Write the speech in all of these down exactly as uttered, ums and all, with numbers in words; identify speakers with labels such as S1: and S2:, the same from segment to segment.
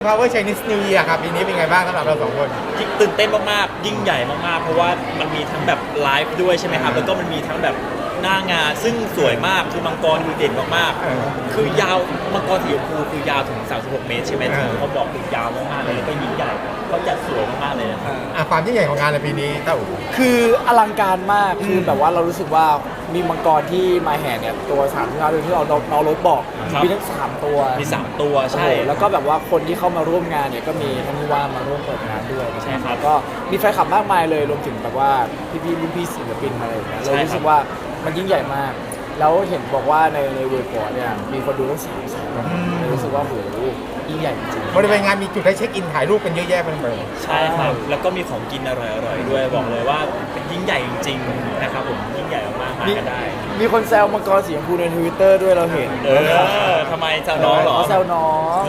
S1: Power Chinese New Year ครับปีนี้เป็นไงบ้างสำหรับเราสองคน
S2: ตื่นเต้นมากๆยิ่งใหญ่มากๆเพราะว่ามันมีทั้งแบบไลฟ์ด้วยใช่ไหมครับแล้วก็มันมีทั้งแบบหน้างานซึ่งสวยมากคือมังกรคือเด่นมากๆคือยาวมังกรสีชมพูคือยาวถึงสามสิบหกเมตรใช่ไหมที่เขาบอกคือยาวมากๆเลยแล้วก็ยิ่งใหญ่เขาจัดสวยมากๆเลยนะครับ
S1: ความยิ่งใหญ่ของงานในปีนี้เต้าอู๋
S3: คืออลังการมากคือแบบว่าเรารู้สึกว่ามีมังกรที่มาแห่เนี่ยตัวสามที่เราที่เราเรารถบอกมีทั้งสามตัว
S2: มีสามตัวใช่
S3: แล้วก็แบบว่าคนที่เข้ามาร่วมงานเนี่ยก็มีท่านผู้ว่ามาร่วมเปิดงานด้วย
S2: ใช่ครับ
S3: ก็มีแฟนคลับมากมายเลยรวมถึงแบบว่าพี่ๆรุ่นพี่ศิลปินอะไรอย่างเงี้ยเรารู้สึกว่ามันยิ่งใหญ่มากแล้วเห็นบอกว่าในในเว็บพอร์เนี่ยมีคนดูตั้งสามแสนรู้สึกว่าโหยิ่งใหญ่จริง
S1: บริเวณงานมีจุดให้เช็คอินถ่ายรูปกันเยอะแยะไปหมด
S2: ใช่ครับแล้วก็มีของกินอร่อยๆด้วยบอกเลยว่าเป็นยิ่งใหญ่จริงๆนะครับผมยิ่งใหญ่มากๆมากันได้
S3: มีคนแซวมังกรสีชมพูใน Twitter ด้วยเราเห็น
S2: เออทำไมแซวน้องเหรอ
S3: เขาแซวน้อง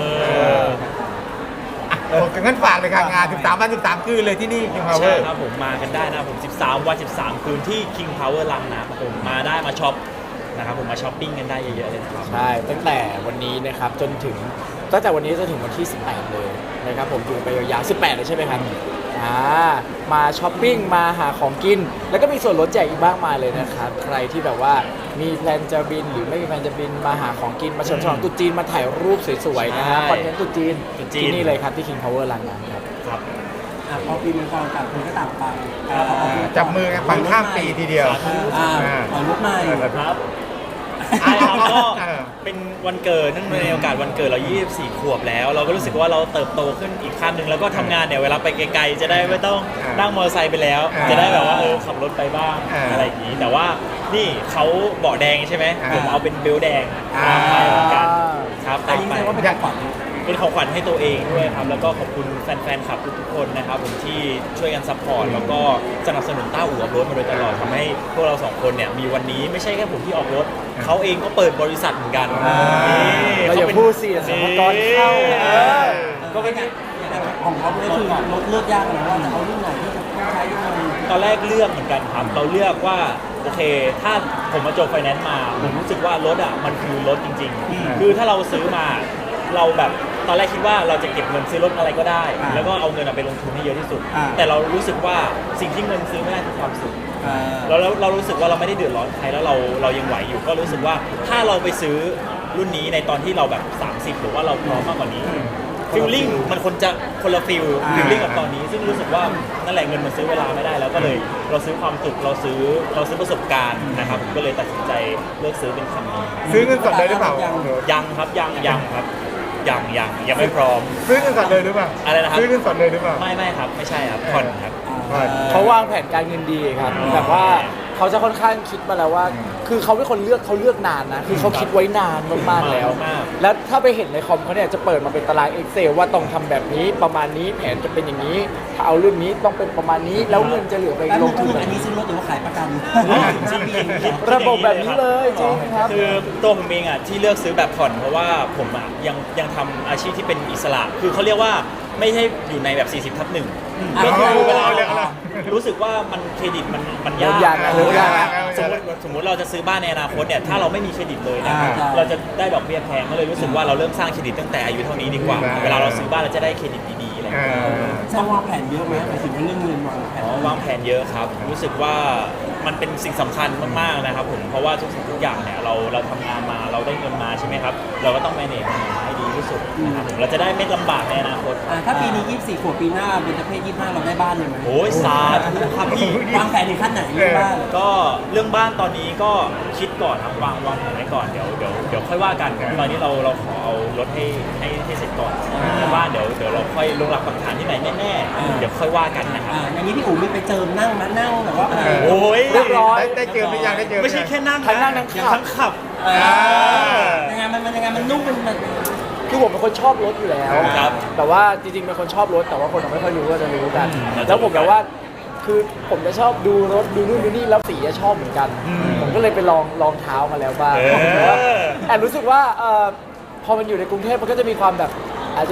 S1: โอ้งั้นฝากเลยค่ะงานสิบสามวันสิบสามคืนเลยที่นี่ King Power
S2: ใช่ครับผมมากันได้นะผมสิบสามวันสิบสามคืนที่ King Power ลังนะครับผมมาได้มาช็อปนะครับผมมาช้อปปิ้งกันได้เยอะๆเลยครับ
S3: ใช่ตั้งแต่วันนี้นะครับจนถึงตั้งแต่วันนี้จนถึงวันที่สิบแปดเลยนะครับผมอยู่ไปยาวๆสิบแปดเลยใช่ไหมครับอ่ามาช้อปปิ้งมาหาของกินแล้วก็มีส่วนลดแจกอีกมากมายเลยนะครับใครที่แบบว่ามีแพลนจะบินหรือไม่มีแพลนจะบินมาหาของกินมาเฉลิมฉลองตุ๊จีนมาถ่ายรูปสวยๆนะฮะคอนเทนต์ตุ๊จีนที่นี่เลยครับที่ King Power ลังนั้นครับ
S2: ครับ
S4: พอปีมังกรต่างคนก็ต่างไป
S1: จับมือกันฟังข้ามปีทีเดียว
S4: อ่าขอลุกใหม่
S2: ครับใช่ครับก็เป็นวันเกิดนั่นในโอกาสวันเกิดเรายี่สิบสี่ขวบแล้วเราก็รู้สึกว่าเราเติบโตขึ้นอีกขั้นหนึ่งแล้วก็ทำงานเนี่ยเวลาไปไกลๆจะได้ไม่ต้องนั่งมอเตอร์ไซค์ไปแล้วจะได้แบบว่าเออขับรถไปบ้างอะไรอย่างนี้แต่ว่านี่เขาเบาะแดงใช่ไหมผมเอาเป็นเบลแดงไปเหมือนกันครับ
S4: แต่ยิ่งว่าเป็นขวัญ
S2: เป็นของขวัญให้ตัวเองด้วยครับแล้วก็ขอบคุณแฟนๆคลับทุกๆคนนะครับผมที่ช่วยกันซัพพอร์ตแล้วก็สนับสนุนต้าอู่ออฟโรดมาโดยตลอดทำให้พวกเราสองคนเนี่ยมีวันนี้ไม่ใช่แค่ผมที่ออกรถเขาเองก็เปิดบริษัทเหมือนกัน
S3: เราอย่าพูดสิสมกรเข้า
S4: ก็เป็นของเขาเลยคือรถเลือกยากนะว่าจะเอารุ่นไหนที่จะใช้ยังไง
S2: ตอนแรกเลือกเหมือนกันครับเราเลือกว่าโอเคถ้าผมมาจบไฟแนนซ์มาผมรู้สึกว่ารถอ่ะมันคือรถจริงๆคือถ้าเราซื้อมาเราแบบตอนแรกคิดว่าเราจะเก็บเงินซื้อรถอะไรก็ได้แล้วก็เอาเงินไปลงทุนให้เยอะที่สุดแต่เรารู้สึกว่าสิ่งที่เงินซื้อไม่ได้คือความสุขเราเรารู้สึกว่าเราไม่ได้เดือดร้อนใครแล้วเราเรายังไหวอยู่ก็รู้สึกว่าถ้าเราไปซื้อรุ่นนี้ในตอนที่เราแบบสามสิบหรือว่าเราพร้อมมากกว่านี้ฟีลลิ่งมันคนจะคนละฟีลฟีลลิ่งกับตอนนี้ซึ่งรู้สึกว่านั่นแหละเงินมันซื้อเวลาไม่ได้แล้วก็เลยเราซื้อความสุขเราซื้อเราซื้อประสบการณ์นะครับผมก็เลยตัดสินใจเลือกซื้อเป็นคันนี้
S1: ซื้อเงินสดเลยหรือเปล่า
S2: ยังครับยังยังครับยังยังยังไม่พร้อม
S1: ซื้อเงินสดเลยหรือเปล่า
S2: อะไรนะครับ
S1: ซื้อเงินสดเลยหรือเปล่า
S2: ไม่ไม่ครับไม่ใช่ครับผ่อนครับ
S3: เขาวางแผนการเงินดีครับแบบว่าเขาจะค่อนข้างคิดมาแล้วว่าคือเขาเป็นคนเลือกเขาเลือกนานนะคือเขาคิดไว้นานมากๆแล้วแล้วถ้าไปเห็นในคอมเขาเนี่ยจะเปิดมาเป็นตาราง Excel ว่าต้องทำแบบนี้ประมาณนี้แผนจะเป็นอย่างนี้ถ้าเอารุ่นนี้ต้องเป็นประมาณนี้แล้วเงินจะเหลือไปลงทุน
S4: อันนี้ซื้อรถหรือว่าขายประกัน
S2: จริง
S3: ระบบแบบนี้เลยจริงครับ
S2: คือตัวผมเองอ่ะที่เลือกซื้อแบบผ่อนเพราะว่าผมอ่ะยังยังทำอาชีพที่เป็นอิสระคือเขาเรียกว่าไม่ใช่อยู่ในแบบสี่สิบทับหนึ่งก็คือเวลารู้สึกว่ามันเครดิตมันมันยาก
S3: ยากนะยาก
S2: สมมติสมมติเราจะซื้อบ้านในอนาคตเนี่ยถ้าเราไม่มีเครดิตเลยนะเราจะได้ดอกเบี้ยแพงก็เลยรู้สึกว่าเราเริ่มสร้างเครดิตตั้งแต่อายุเท่านี้ดีกว่าเวลาเราซื้อบ้านเราจะได้เครดิตดีๆอะไรอย่างเงี้ย
S4: ต้องวางแผนเยอะไหมหมายถึงเรื่องเงินวางแผน
S2: อ๋อวางแผนเยอะครับรู้สึกว่ามันเป็นสิ่งสำคัญมากๆนะครับผมเพราะว่าทุกสิ่งทุกอย่างเนี่ยเราเราทำงานมาเราได้เงินมาใช่ไหมครับเราก็ต้อง manage ให้ดีที่สุดนะครับผมเราจะได้ไม่ลำบากในอนาคต
S4: ถ้าปีนี้ยี่สิบสี่ขวบปีหน้าเบญจเพศยี่สิบห้าเราได้บ้านเลยไหม
S2: โอ้ยสาธุครับพี่
S4: วางแผนในขั้นไหนเรื่องบ้าน
S2: ก็เรื่องบ้านตอนนี้ก็คิดก่อนครับวางวางแผนไว้ก่อนเดี๋ยวเดี๋ยวเดี๋ยวค่อยว่ากันตอนนี้เราเราขอเอารถให้ให้ให้เสร็จก่อนแต่ว่าเดี๋ยวเดี๋ยวเราค่อยลงหลักปักฐานที่ไหนแน่ๆเดี๋ยวค่อยว่ากันนะครับ
S4: อย่างนี้พี่อู๋มีไปเจิมนั่งมานั่งแบบว่า
S2: โอ้ย
S3: เรียบร้อย
S1: ได้เจอหรือยังได้เจอ
S2: ไม่ใช่แค่นั่ง
S3: ทั้งนั่งทั้งขับ
S4: ยังไงมันมันยังไงมันนุ่มมัน
S3: คือผมเป็นคนชอบรถอยู่แล้วแต่ว่าจริงๆเป็นคนชอบรถแต่ว่าคนไม่ค่อยรู้ก็จะรู้กันแล้วผมแบบว่าคือผมจะชอบดูรถดูนู่นดูนี่แล้วสีจะชอบเหมือนกันผมก็เลยไปลองลองเท้ามาแล้วบ้างแต่รู้สึกว่าพอมันอยู่ในกรุงเทพมันก็จะมีความแบบอาจจะ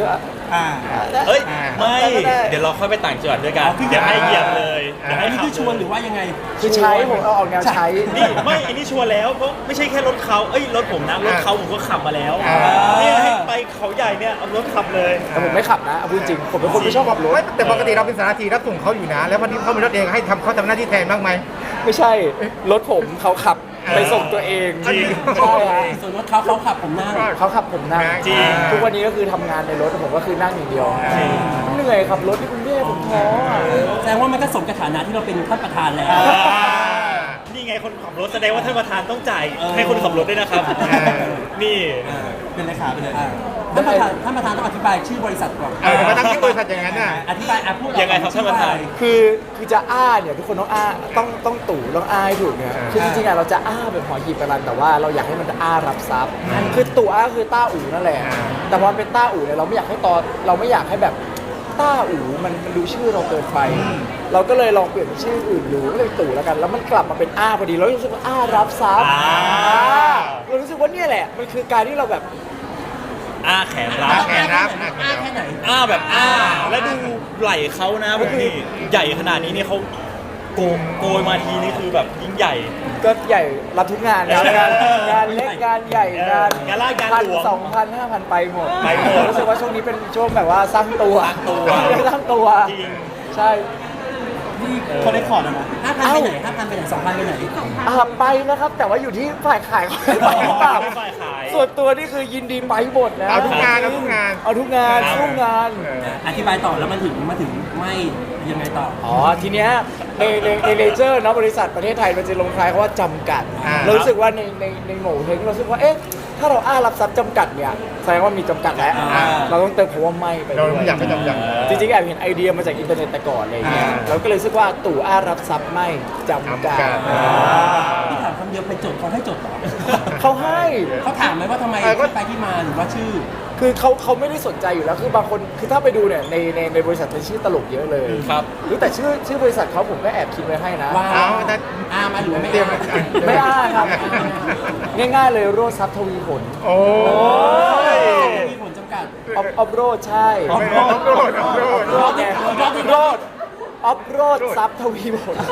S4: อ่า
S2: เอ้ย
S1: อ่า
S2: ไม่
S3: ได้ได้
S2: เดี๋ยวเราค่อยไปต่างจังหวัดด้วยกัน
S4: อ๋อคือ
S2: เดี๋ยวให้เหยียบเลยเดี๋ยว
S4: อั
S2: ให้
S4: นนี้
S2: ขับ
S4: คือชวนหรือว่ายังไง
S3: คือใช้ผมเอาออกแนวใช้
S2: นี่ไม่อันนี้ชวนแล้วเพราะไม่ใช่แค่รถเขาเอ้ยรถผมนะรถเขาผมก็ขับมาแล้ว
S1: อ่า
S2: เนี่ยให้ไปเขาใหญ่เนี่ยเอารถขับเลย
S3: แต่ผมไม่ขับนะเอาพูดจริงผมเป็นคนไม่ชอบขับรถ
S1: ไม่แต่ปกติเราเป็นสารทีรับส่งเขาอยู่นะ แล้ววันนี้เขามีรถเองให้ทำเขาทำหน้าที่แทนบ้างไหม
S3: ไม่ใช่รถผมเขาขับไปส่งตัวเอง
S1: จริง
S3: ใช่ฮะ
S4: ส่วนรถเขาเขาขับผมนั่ง
S3: เขาขับผมนั่ง
S2: จริง
S3: ทุกวันนี้ก็คือทำงานในรถผมก็คือนั่งอย่างเดียว
S2: จริง
S3: เหนื่อยขับรถที่กรุงเทพผมท้ออ่ะ
S4: แสดงว่ามันก็สมกับฐานะที่เราเป็นท่านประธานแล้ว
S2: นี่ไงคนขับรถแสดงว่าท่านประธานต้องจ่าย
S4: เออ
S2: ให้คนขับรถด้วยนะครับ
S1: เออ
S2: นี่
S4: เป็นเลขาไปเลยท่านประธานท่านประธานต้องอธิบายชื่อบริษัทก่อน
S1: เออมาตั้งที่บริษัทอย่างนั้นน่ะ
S4: อธิบายอ่ะพูด
S2: ยังไงครับท่านประธาน
S3: คือคือจะอ้าเนี่ยทุกคนต้องอ้าต้องต้องตู่ต้องอ้าให้ถูกเนี่ยคือจริงๆอ่ะเราจะอ้าแบบหอหีบกรันแต่ว่าเราอยากให้มันอ้ารับทรัพย์คือตู่อ้าคือต้าอู่นั่นแหละ
S1: อ่า
S3: แต่พอมันเป็นต้าอู่เนี่ยเราไม่อยากให้ตอนเราไม่อยากให้แบบต้าอู่มันมันดูชื่อเราเกินไป เราก็เลยลองเปลี่ยนเป็นชื่ออื่นดูก็เลยตู่แล้วกัน แล้วมันกลับมาเป็นอ้าพอดีเรารู้สึกว่าอ้ารับทรัพย์
S2: อ่า
S3: อ่าเรารู้สึกว่าเนี่ยแหละมันคือการที่เราแบบ
S2: อ้าแขนรั
S1: อ้า
S2: บ
S1: แขนรับ
S4: อ้าแค่ไหน
S2: อ้าแบบอ้า แล้วดูไหล่เขานะพวกพี่ใหญ่ขนาดนี้นี่เขาโกงโกยมาทีนี่คือแบบยิ่งใหญ่
S3: ก็ใหญ่รับทุกงานนะงานงานเล็กงานใหญ่งาน
S2: งานลาดงาน
S3: พัน
S2: หลวง
S3: สองพันห้าพันไปหมด
S2: ไปหมด
S3: รู้สึกว่าช่วงนี้เป็นช่วงแบบว่าสร้างตัว
S2: สร้างตัว
S3: สร้างตัว
S2: จริง
S3: ใช่
S4: นี่เขาได้ขอร์ดแล้วนะห้าพันไปไหนห้าพันไปไหนสองพันไปไหน
S3: อ่าไปนะครับ แต่ว่าอยู่ที่ฝ่ายขายเขาไปหรือเปล่า
S2: ฝ่ายขาย
S3: ส่วนตัวนี่คือยินดีไปหมดนะ
S1: เอาทุกงานเอาทุกงาน
S3: เอาทุกงาน
S2: ครับ
S3: สู้งาน
S1: เออ
S4: อธิบายต่อแล้วมันถึงมาถึงไม่ยังไงต่อ
S3: อ๋อทีเนี้ยในในในเลเจอร์เนาะบริษัทประเทศไทยมันจะลงท้ายเขาว่าจำกัด
S1: อ่า
S3: เรารู้สึกว่าในในในโหมเฮงเรารู้สึกว่าเอ๊ะถ้าเราอ้ารับทรัพย์จำกัดเนี่ยแสดงว่ามีจำกัดแล้ว
S4: อ่า
S3: เราต้องเติมคำว่าไม่ไป
S1: เรา
S3: ด้วย
S1: ไม่อยากให้จำกัด
S3: จริงๆแอบเห็นไอเดียมาจากอินเทอร์เน็ตแต่ก่อนอะไรอย่างเงี้ย
S1: อ่า
S3: เราก็เลยรู้สึกว่าตู่อ้ารับทรัพย์ไม่จำกัด
S1: จำกัด
S3: อ่า
S4: ที่ถามคำเดียวไปจดเขาให้จดเหรอ
S3: เขาให้
S4: เขาถามไหมว่าทำไม
S1: เออก็
S4: ที่ไปที่มาหรือว่าชื่อ
S3: คือเขาเขาไม่ได้สนใจอยู่แล้วคือบางคนคือถ้าไปดูเนี่ยในในในบริษัทเป็นชื่อตลกเยอะเลย
S2: ครับ
S3: หรือแต่ชื่อชื่อบริษัทเขาผมก็แอบคิดไว้ให้นะ
S4: ว่า
S1: เอาแต่
S4: อามาหรือว่าไม่
S1: เตรียม
S4: อา
S3: ไม่อ้าครับ ง่ายๆเลยโรดทรัพย์ทวีผล
S1: โอ้ย
S4: มีผลจำกัด
S3: ออฟออฟโรดใช่
S1: ออฟโรดออฟโรดออฟโรด
S3: โรดไงโรดออฟโรดทรัพย์ทวีผล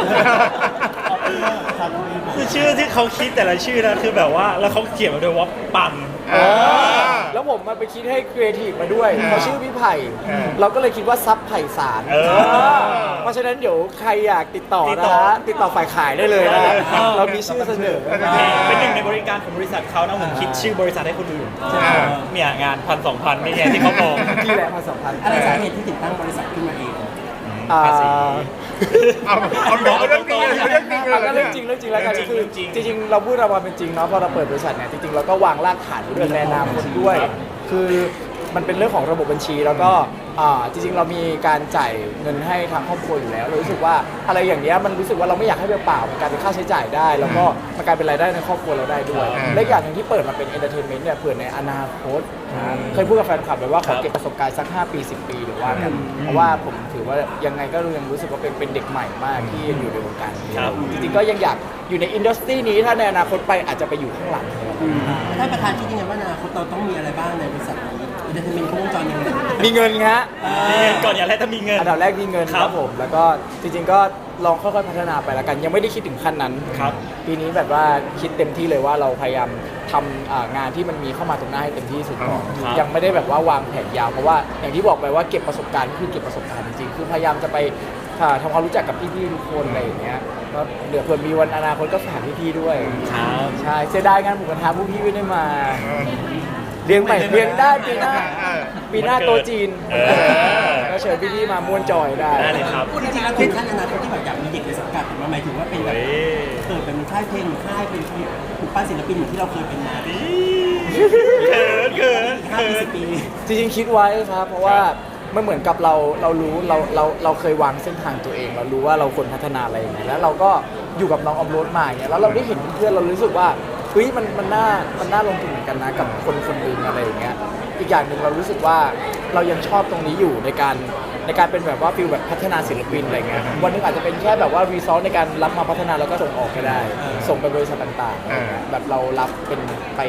S2: คือชื่อที่เขาคิดแต่ละชื่อนะคือแบบว่าแล้วเขาเขียนมาด้วยว่าปัง
S1: เออ
S3: แล้วผมมาไปคิดให้ครีเอทีฟมาด้วย
S1: อ่า
S3: เขาชื่อพี่ไผ่
S1: อ่า
S3: เราก็เลยคิดว่าซับไผ่สาร
S2: เออ
S3: เพราะฉะนั้นเดี๋ยวใครอยากติดต่อ
S2: ติด
S3: นะ
S2: ต่อ
S3: ฮะติดต่อฝ่ายขายได้เลยนะฮะ
S2: เออ
S3: เรามีชื่อเสนอ
S2: เป็นหนึ่งในบริการของบริษัทเขานะผมคิดชื่อบริษัทให้คนอื่น
S1: อ่า
S2: เนี่ยงานพันสองพันนี่ไงที่เขาบอก
S3: ที่แหละมาสัมพันธ์
S4: อะไรสาเหตุที่ถึงตั้งบริษัทขึ้นมาเอง
S3: อ่า
S2: ภาษี
S1: เอาเอาเอาเรื่องจริงเลยเอาเรื่องจริงเลย
S3: อ่ะก็เรื่องจริงเรื่องจริงแล้วกัน
S2: จริง
S3: คือ
S2: จริง
S3: จริงๆเราพูดเรามาเป็นจริงเนาะพอเราเปิดบริษัทเนี่ยจริงๆเราก็วางรากฐานไว้ด้วยในอนาคตด้วย คือมันเป็นเรื่องของระบบบัญชีแล้วก็อ่าจริงๆ เรามีการจ่ายเงินให้ทางครอบครัวอยู่แล้วเรารู้สึกว่าอะไรอย่างเนี้ยมันรู้สึกว่าเราไม่อยากให้เปล่าๆมันกลายเป็นค่าใช้จ่ายได้ แล้วก็มันกลายเป็นรายได้ในครอบครัวเราได้ด้วย
S1: อ่า
S3: และอีกอย่างหนึ่งที่เปิดมาเป็นเอนเตอร์เทนเมนต์เนี่ยเผื่อในอนาคตเคยพูดกับแฟนคลับไปว่าขอเก็บประสบการณ์สักห้าปีสิบปีหรือว่ากันเพราะว่าผมถือว่ายังไงก็ยังรู้สึกว่าเป็นเป็นเด็กใหม่มากที่ยังอยู่ในวงการนี้
S2: ครับ
S3: จริงๆก็ยังอยากอยู่ในอินดัสทรีนี้ถ้าในอนาคตไปอาจจะไปอยู่ข้างหลัง
S4: ท่านประธานคิดยังไงว่าในอนาคตเราต้องมีอะไรบ้างในบริษัทนี้อินเตอร์เทนเมนต์ครบวงจรยังไง
S3: มีเงินฮะ
S2: มีเงินก่อนอย่าแรกถ้ามีเงิน
S3: อันดับแรกมีเงิน
S2: ค
S3: ค
S2: รั
S3: รับ บผม แล้วก็จริงๆก็ลองค่อยๆพัฒนาไปแล้วกัน ยังไม่ได้คิดถึงขั้นนั้น
S2: ครับ
S3: ปีนี้แบบว่าคิดเต็มที่เลยว่าเราพยายามทำอ่างานที่มันมีเข้ามาตรงหน้าให้เต็มที่สุดก่อน
S2: ครับ
S3: ยังไม่ได้แบบว่าวางแผนยาวเพราะว่าอย่างที่บอกไปว่าเก็บประสบการณ์ก็คือเก็บประสบการณ์จริงๆคือพยายามจะไปอ่าทำความรู้จักกับพี่ๆทุกคนอะไรอย่างเงี้ยก็เดี๋ยวเผื่อมีวันอนาคตก็ฝากพี่ๆด้วย
S2: ครับ
S3: ใช่เสียดายงานหมูกระทะพวกพี่ไม่ได้มาเลี้ยงใหม่เลี้ยงได้ปีหน้า
S1: เออ
S3: ปีหน้าโต๊ะจีน
S2: เออ
S3: ก็เชิญพี่ๆมาม่วนจอยได้
S2: ได้เลยครับ
S4: จริงๆแล้วถึงขั้นอนาคตที่แบบอยากมีเด็กในสังกัดหรือว่าหมายถึงว่าเป็นแบบ
S2: เฮ้ย
S4: เกิดเป็นค่ายเพลงหรือค่ายเป็นผูกปั้นศิลปินเหมือนที่เราเคยเป็นมาอีก
S2: เขินเขิน
S4: ห้า
S2: เขิ
S4: ปี
S2: น
S4: สิบปี
S3: จริงๆคิดไว้ครับ เพราะว่ามันเหมือนกับเราเรารู้เราเราเราเคยวางเส้นทางตัวเอง เรารู้ว่าเราควรพัฒนาอะไรยังไงแล้วเราก็อยู่กับน้องออมโรดมาอย่างเงี้ยแล้วเราได้เห็นเพื่อนๆเรารู้สึกว่าเฮ้ยมันมันน่ามันน่าลงทุนเหมือนกันนะกับคนคนหนึ่งอะไรอย่างเงี้ยอีกอย่างหนึ่งเรารู้สึกว่าเรายังชอบตรงนี้อยู่ในการในการเป็นแบบว่าฟิลแบบพัฒนาศิลปินอะไรเงี้ยวันหนึงอาจจะเป็นแค่แบบว่ารีซอสในการรับมาพัฒนาแล้วก็ส่งออกก็ได้ ส่งไปบริษัทต่างๆอะไรเงี้ยแบบเรารับเป็นไป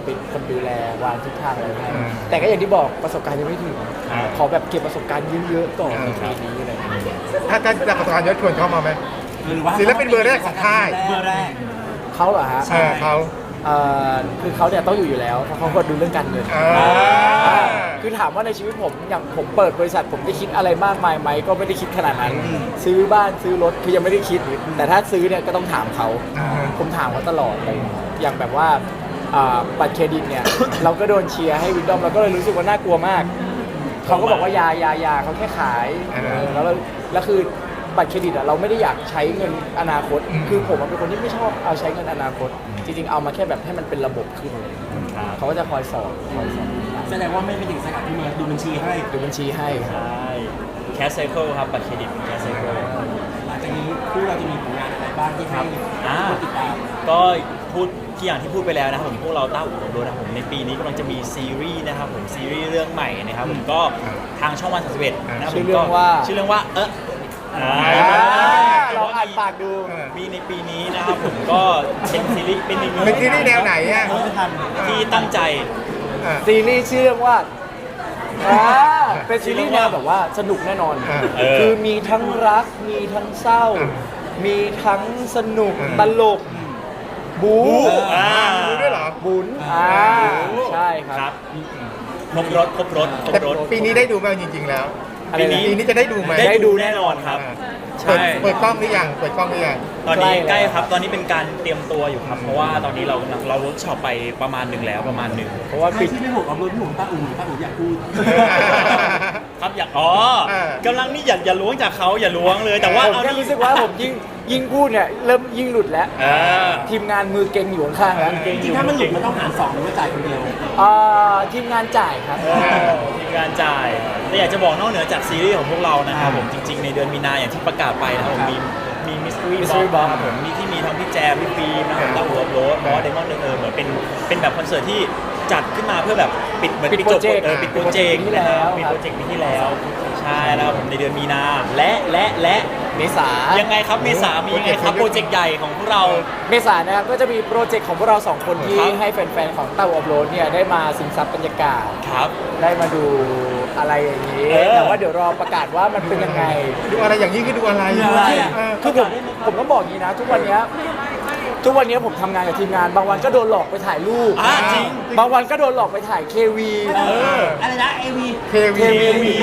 S3: เป็นคนดูแลวางทิศทางอะไรให้
S1: อืม
S3: แต่ก็อย่างที่บอกประสบการณ์ยังไม่ถึง
S2: ครับ
S3: ขอแบบเก็บประสบการณ์เยอะๆก่อน
S1: อื
S3: ใน
S1: ม
S3: ปีนี้อะไรอย่างเงี้ย
S1: ถ้าถ้าจะประสบการณ์เยอะชวนเขามาไหม
S4: หรือว่า
S1: ศิลปินเบอร์แรกของค่าย
S4: เบอร์แรก
S3: เขาเหรอฮะ
S1: เออเขา
S3: เอ่อคือเขาเนี่ยต้องอยู่อยู่แล้วเพราะเขาก็ดูเรื่องการเงิน
S1: อ่า
S3: อ่าคือถามว่าในชีวิตผมอย่างผมเปิดบริษัทผมได้คิดอะไรมากมายไหมก็ไม่ได้คิดขนาดนั้น ซื้อบ้านซื้อรถคือยังไม่ได้คิด แต่ถ้าซื้อเนี่ยก็ต้องถามเขา
S1: อ่า
S3: ผมถามเขาตลอดเลยอย่างแบบว่าอ่าบัตรเครดิตเนี่ย เราก็โดนเชียร์ให้วินดอมเราก็เลยรู้สึกว่าน่ากลัวมาก เขาก็บอกว่ายายายาเขาแค่ขาย
S1: อ่า
S3: เออแล้วเราแล้วคือบัตรเครดิตอะเราไม่ได้อยากใช้เงินอนาคต
S1: อืม
S3: คือผมอะเป็นคนที่ไม่ชอบเอาใช้เงินอนาคต จริงๆเอามาแค่แบบให้มันเป็นระบบขึ้นเลย
S2: ครับ
S3: เขาก็จะคอยสอนคอยสอน
S4: แสดงว่าไม่ไปถึงสกัดที่มาดูบัญชีให้
S3: ดูบัญชีให้ครับ
S2: ใช่แคสไซเคิลครับบัตรเครดิตแคสไซเคิล
S4: หลังจากนี้คู่เราจะมีผลงานอะไรบ้างที่ให้
S2: อ่า
S4: คนติดตาม
S2: ก็พูดที่อย่างที่พูดไปแล้วนะครับผมพวกเราต้าอู่ของโดนะครับผมในปีนี้กำลังจะมีซีรีส์นะครับผมซีรีส์เรื่องใหม่นะครับผมก็ทางช่องวันสามสิบเอ็ดนะครับผม
S3: ชื่อเรื่องว่า
S2: ชื่อเรื่องว่าเอออ่า
S3: ลองอ่านปากดู
S2: มีในปีนี้นะครับผมก็เป็นซีรีส์เป็นอีกหนึ่ง
S1: เป็นซีรีส์แนวไหนอ่ะ
S4: ไม่ทัน
S2: ที่ตั้งใจ
S1: อ่า
S3: ซีรีส์ชื่อเรื่องว่าอ่าเป็นซีรีส์แนวแบบว่าสนุกแน่นอน
S1: อ่า
S2: เออ
S3: คือมีทั้งรัก มีทั้งเศร้า
S1: อ่า
S3: มีทั้งสนุก
S1: อ่า
S3: ตลก บู
S2: อ่า
S1: ดูด้วยเหรอ
S3: บุญอ่าใช่ค
S2: ครั
S3: รั
S2: บบ ครบรถครบรถครบ
S1: แต่
S2: รถ
S1: ปีนี้ได้ดูไหมจริง ๆ แล้ว
S3: อะไร
S2: ปี
S3: นะ
S2: นี้
S1: ปีนี้จะได้ดูไหม
S2: ได้ดูแน่นอนครับ
S1: อ่า
S2: ใช่
S1: เปิดเปิดกล้องหรือยังเปิดกล้องหรือยัง
S2: ตอนนี้
S3: ใก
S2: ใก
S3: ล้
S2: ล้
S3: แล้ว
S2: ครับ ตอนนี้เป็นการเตรียมตัวอยู่ครับ เพราะว่าตอนนี้เราเราเวิร์กช็อปไปประมาณหนึ่งแล้วประมาณหนึ่ง
S3: เพราะว่า
S4: ใคร
S3: ปิด
S4: ที่ไม่บอกเอารถพี่หมูป้าอุ่นป้าอุ่นอยากพูด
S2: ครับอยากอ๋อ
S1: เออ
S2: กำลังนี่อย่าอย่าล้วงจากเขาอย่าล้วงเลยแต่ว่า
S3: ผม
S2: เอา
S3: แค่
S2: นี่
S3: รู้สึกว่าผมยิ่งยิ่งพูดเนี่ยเริ่มยิ่งหลุดแล้ว
S2: เออ
S3: ทีมงานมือเก่งอยู่ข้างๆแล้ว
S2: เก่ง
S4: จริงๆถ้ามันหลุดมันต้องหารสองหรือว่าจ่ายคนเดียว
S3: อ่าทีมงานจ่ายครับ
S2: เออทีมงานจ่ายแต่อยากจะบอกนอกเหนือจากซีรีส์ของพวกเรานะครับผมจริง ๆ ในเดือนมีนาอย่างที่ประกาศไปนะครับผมมีมีมิสทรี
S3: Mystery
S2: บ็อก
S3: Box
S2: ครับผมมีที่มีทั้งพี่แจมพี่ฟิล์มนะครับแล้วหัวโรสบอสเดมอนเออเหมือนเป็นเป็นแบบคอนเสิร์ตที่จัดขึ้นมาเพื่อแบบปิดเหมือน
S3: ปิด
S2: ปิดจบ
S3: โปรเจกต์
S2: เออปิดโปรเจกต์
S3: ปิดโปรเจกต์ปีที่แล้ว
S2: ปิดโปรเจกต์ปีที่แล้วใช่แล้วครับผมในเดือนมีนาและและและ
S3: เมษา
S2: ยังไงครับเมษามียังไงครับโปรเจกต์ใหญ่ของพวกเรา
S3: เมษายนนะครับก็จะมีโปรเจกต์ของพวกเราสองคนที่
S2: ครับ
S3: ให้แฟนๆ ของเต้าอัพโหลดเนี่ยได้มาซึมซับบรรยากาศ
S2: ครับ
S3: ได้มาดูอะไรอย่างนี้
S2: เออ
S3: แต่ว่าเดี๋ยวรอประกาศว่ามันเป็นยังไง
S1: ดูอะไรอย่างนี้คือดูอะไร
S4: ดูอะไรอ่ะ
S1: เออ
S3: คือผมผมต้องบอกอย่างนี้นะ ทุกวันเนี้ยทุกวันเนี้ยผมทำงานกับทีมงาน บางวันก็โดนหลอกไปถ่ายรูป
S2: อ่าจริง
S3: บางวันก็โดนหลอกไปถ่ายเควี
S1: เออ
S4: อะไรนะเอวี
S1: เควี
S3: เควี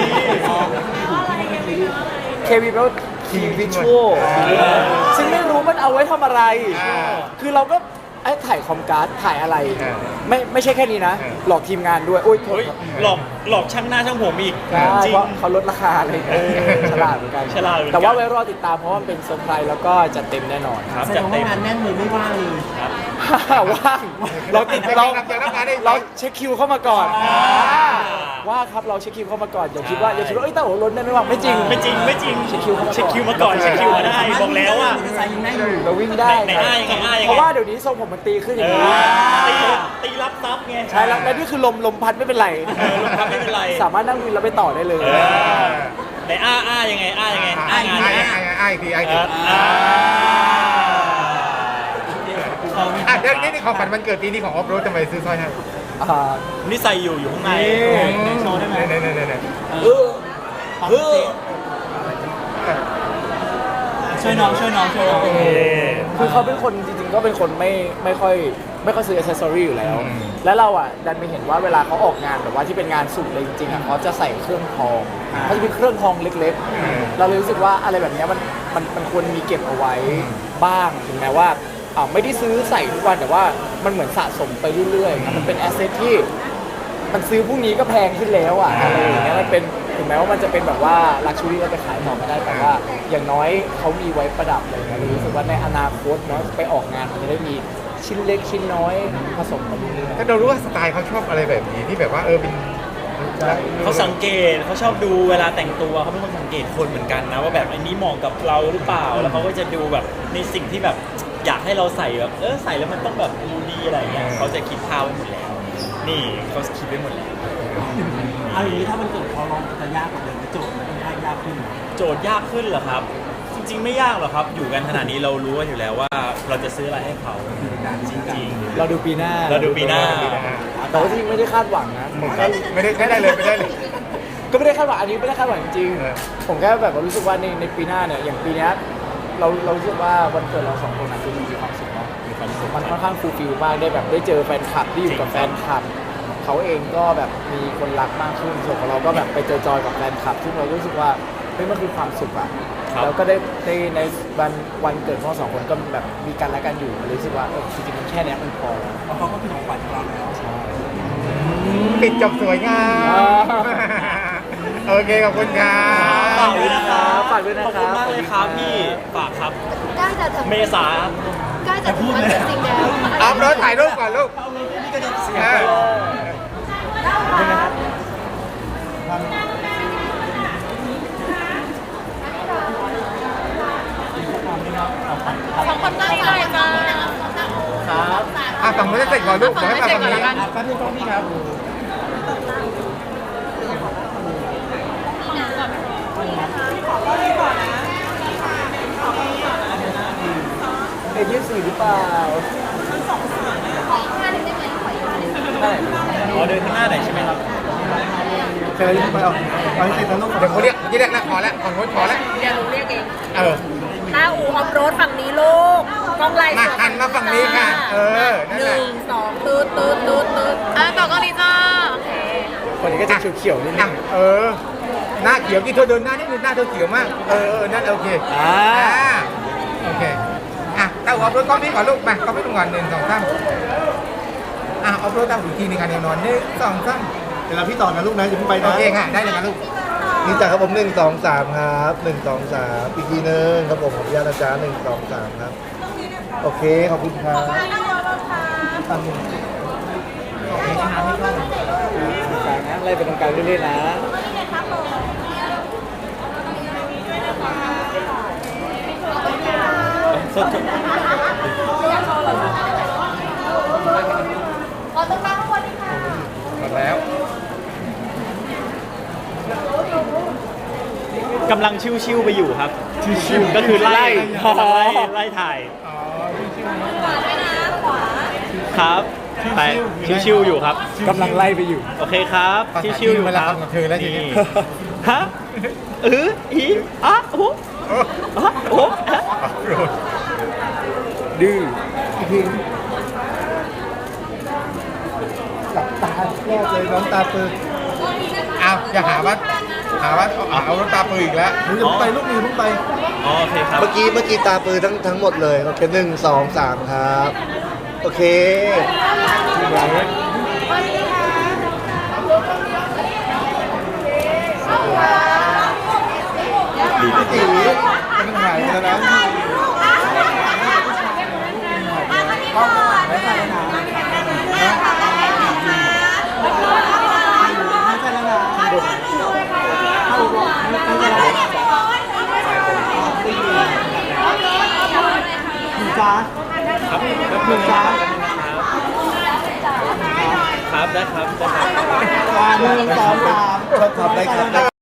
S3: เควีแปลว่าคีวิชวล
S1: อ่า
S3: ซึ่งไม่รู้มันเอาไว้ทำอะไร
S1: อ่า
S3: คือเราก็ไอ้ถ่ายคอมการ์ดถ่ายอะไร
S1: อ่า
S3: ไม่ไม่ใช่แค่นี้นะ
S1: อ่า
S3: หลอกทีมงานด้วย โอ้ยโทษ
S2: เฮ้ย
S3: ครับ
S2: หลอกหลอกช่างหน้าช่างผมอีก
S3: ใช่
S2: จริง
S3: เพราะเขาลดราคาอะไรอย่างเงี้ย
S2: เออ
S3: ฉลาดเหมือนกัน
S2: ฉลาดเหมือนกัน
S3: แต่ว่าไว้รอติดตามเพราะว่ามันเป็นเซอร์ไพรส์แล้วก็จะเต็มแน่นอน
S2: ครับ
S4: แสด
S2: จัด
S4: งว่า
S2: เต็ม
S4: งานแน่นเลยไม่ว่างเลย
S2: ครับ
S3: ว่างเราติดเรา
S1: อยากรับงานได้ไหม
S3: เราเช็คคิวเข้ามาก่อน
S2: อ่า
S3: ว่าครับเราเช็คคิวเข้ามาก่อนอย่าคิดว่าอย่าคิดว่าเอ้ยเต้าโอ๋ล้นได้ไม่ว่างไม่จริง
S2: ไม่จริงไม่จริง
S3: เช็คคิวเข้ามาก่อน
S2: เช็คคิวมาก่อนเช็คคิวมาได้บอกแล้วว่า
S4: มอเตอร์ไซค์ยังได้อยู่
S3: เราวิ่งได้
S2: ไหน
S3: ครับ
S2: อ้ายยังไงอ้ายยังไง
S3: เพราะว่าเดี๋ยวนี้ทรงผมมันตีขึ้นอ
S2: เอย่าง
S3: นี้
S2: อตีตีรับทรัพย์ไง
S3: ใช่แล้วและนี่คือลมลมพัดไม่เป็นไร
S2: เออลมพัดไม่เป็นไร
S3: สามารถนั่งวินแล้วไปต่อได้เลย
S2: เออไหนอ้าอ้ายังไงอ้ายังไงอ้างาน
S1: ไอ้
S2: ไง
S1: ไอ้ไอ้ไอ้ทีไอ้
S2: เอ
S1: ที
S2: ออ่า
S1: อ่ะเดี๋ยวนี้นี่ของฝันวันเกิดปีนี้ของออฟโรดทำไมซื้อสร้อยให้
S3: อ่า
S2: นี่ใส่อยู่อยู่ข้างใน
S3: นี่
S4: โชว์ได้ไหม
S1: เนี่ยเนี่ยเนี่ยเนี่ย
S3: เออ
S4: เออช่วยน้องช่วยน้องช่วยน้อง
S2: เออ
S3: คือเขาเป็นคนจริงๆก็เป็นคนไม่ไม่ค่อยไม่ค่อยซื้ออิเซอรี่อยู่แล้ว แล้วเราอ่ะดันไปเห็นว่าเวลาเขาออกงานแบบว่าที่เป็นงานสุดเลยจริงๆอ่ะเขาจะใส่เครื่องทองเขาจะเป็นเครื่องทองเล็กๆ เราเลยรู้สึกว่าอะไรแบบเนี้ยมันมันมันควรมีเก็บเอาไว้บ้างถึงแม้ว่าอ่าไม่ได้ซื้อใส่ทุกวันแต่ว่ามันเหมือนสะสมไปเรื่อยๆมันเป็นแอสเซทที่มันซื้อพรุ่งนี้ก็แพงขึ้นแล้วอ่ะอะไรอย่างเงี้ยมันเป็นถึงแม้ว่ามันจะเป็นแบบว่าลักชูรี่เราไปขายต่อไม่ได้แต่ว่าอย่างน้อยเขามีไว้ประดับอะไรอย่างเงี้ยเลยรู้สึกว่าในอนาคตเนาะไปออกงานมันจะได้มีชิ้นเล็กชิ้นน้อยผสมกันเรื่อย
S1: ถ้าเรารู้ว่าสไตล์เขาชอบอะไรแบบนี้ที่แบบว่าเออเป็น
S2: เขาสังเกตเขาชอบดูเวลาแต่งตัวเขาเป็นคนสังเกตคนเหมือนกันนะว่าแบบอันนี้เหมาะกับเราหรือเปล่า แล้วเขาก็จะดูแบบในสิ่งที่แบบอยากให้เราใส่แบบเออใส่แล้วมันต้องแบบดูดีอะไรเงี้ยเขาจะคิดภาพไว้หมดแล้ว นี่เขาคิดไว้หมดแล้ว
S4: เอาอย่างนี้ถ้ามันเกิดเขาลองจะยากกว่าเดิมโจทย์มันค่อนข้างยากขึ้น
S2: โจทย์ยากขึ้นเหรอครับ จริง ๆ ไม่ยากหรอกครับ อยู่กันขนาดนี้เรารู้กันอยู่แล้วว่าเราจะซื้ออะไรให้เขาจริง
S3: เราดูปีหน้า
S2: เราดูปีหน้า
S3: แต่ว่าที่ไม่ได้คาดหวังนะผมแค่
S1: ไม่ได้ไม่ได้เลยไม่ได้เลย
S3: ก็ไม่ได้คาดหวังอันนี้ไม่ได้คาดหวังจริง
S1: เออ
S3: ๆผมแค่แบบว่ารู้สึกว่าในในปีหน้าเนี่ยอย่างปีเนี้ยเราเรารู้สึกว่าวันเกิดเราสองคนนะคือมันมีความสุขเนาะ
S2: มีความสุข
S3: มันค่อนข้างฟูลฟิลมากได้แบบได้เจอแฟนคลับที่อยู่กับแฟนคลับเขาเองก็แบบมีคนรักมากขึ้นส่วนของเราก็แบบไปเจอจอยกับแฟนคลับซึ่งเรารู้สึกว่าเฮ้ยมันคือความสุขอะ
S2: ครับ
S3: แล้วก็ได้ในในวันวันเกิดของเราสองคนก็แบบมีกันและกันอยู่รู้สึกว่าเออจริงๆมันแค่เนี้ยมันพอแล้ว
S4: เพราะเขาก็เป็นของขวัญของเราแล้ว
S3: ใช่
S1: ปิดจบสวยงาม โอเคขอบคุณครั
S2: ฝาก
S1: บ
S2: ด้วยนะครับ
S3: ฝากด้วยนะ
S2: ขอบ
S3: ค
S2: คุ
S3: รั
S2: ณ
S3: บ
S2: มากเลยครับพี่ฝากครับ
S5: ใกล้จะถึง
S2: เมษา
S5: ใกล้จะถึงวันเกิดจริงแล้ว
S1: เอารถถ่ายรูปก่อนลูกเออ
S5: สองคนตั้งใจจ้า
S3: ครับ
S1: อ่ะฝั่งนู้นจะเสร็จก่อนลูกเดี๋ยวให้มาฝั่งนี้
S4: อ่ะแป๊บนึงต้องพี่ครับ
S3: เอ็นยี่สี่หรือเปล่า
S5: ขออีกห้าหนึ่งได้ไหมขออีกห้าหนึ่ง
S3: ได้
S2: อ๋อเดินข้างหน้าไหนอยใช่ไหมครับ
S1: เจอไปเอาเอาให้เสร็จแล้วลูกเดี๋ยวเขาเรียกยี่เรียกแล้วพอแล้วฝั่งนู้นพอแล้ว
S5: เดี๋ยวหนูเรียกเอง
S1: เออ
S5: ต้าอูออฟโรดฝั่งนี้ลูกกล้องไล่
S1: มาหันมาฝั่งนี้ค่ะเออนั่น
S5: ห
S1: แหละ
S5: นึ่งสองตืดตืดตืดตืดอ่ะต่อกล้องนี้จ้าโอเค
S3: คนนี้ก็จะเขียวๆนิดนึ
S1: อ่ะ
S3: ง
S1: เออหน้าเขียวกี่เธอเดินหน้านี่คือหน้าเธอเขียวมากเออเออนั่นโอเค
S3: อ่า
S1: อ่าโอเคอ่ะเต้าออฟรถกล้องนี้ก่อนลูกมาก็ไม่ต้องก่อนหนึ่งสองสามอ่ะออฟรถเต้าอีกทีหนึงกันแนวนอนหนึ่งสองสาม
S6: เดี๋ยวเราพี่ต่อนะลูกนะอย่าเพิ่งไป
S1: โอ
S6: นะ
S1: เคค่ะได้เลยค่ะลูก
S6: นี่จ้ะครับผมหนึ่งสองสามครับหนึ่งสองสามอีกทีหนึงครับผมขออนุญาตนะจ๊ะหนึ่งสองสามครับโอเคขอบคุณครับตามหนึ่ง
S3: กลางนะไล่ไปตรงกลางเรื่อยๆนะ
S2: สด
S5: ขอตรงกลางข้างบนนี่ค่ะ
S1: หมดแล้ว
S2: กำลังชิวๆไปอยู่ครับชิวๆก็คือไล่ไล่ไล่ถ่าย
S1: อ๋อ
S5: ขวาด้วยนะขวา
S2: ครับไปชิวๆอยู่ครับ
S3: กำลังไล่ไปอยู่
S2: โอเคครับชิวๆอยู่ครับ
S1: เธอแล้วทีนี้
S2: นี่ฮะเอออีอะโอ้
S1: โอ้
S2: อะโอ้
S1: ออฟโรด
S3: ดื้อ
S6: หลับตาแรกเลยน้องตาปืน
S1: เอาอย่าหาว่าหาว่าเอาเอารถตาปืนอีกแล้ว
S6: หนูอย่าเพิ่งไปลูกหนูอย่าเพิ่งไป
S2: อ๋อโอเคครับ
S6: เมื่อกี้เมื่อกี้ตาปืนทั้งทั้งหมดเลยโอเคหนึ่งสองสามครับโอเค
S1: พี่ตีมันหายไปแล้วนะ
S4: จ้า
S2: ครับแป๊บนึงนะครับครับได้ครับได้ครับ
S4: หนึ่งสองสาม
S6: ชอบทำได้ครับ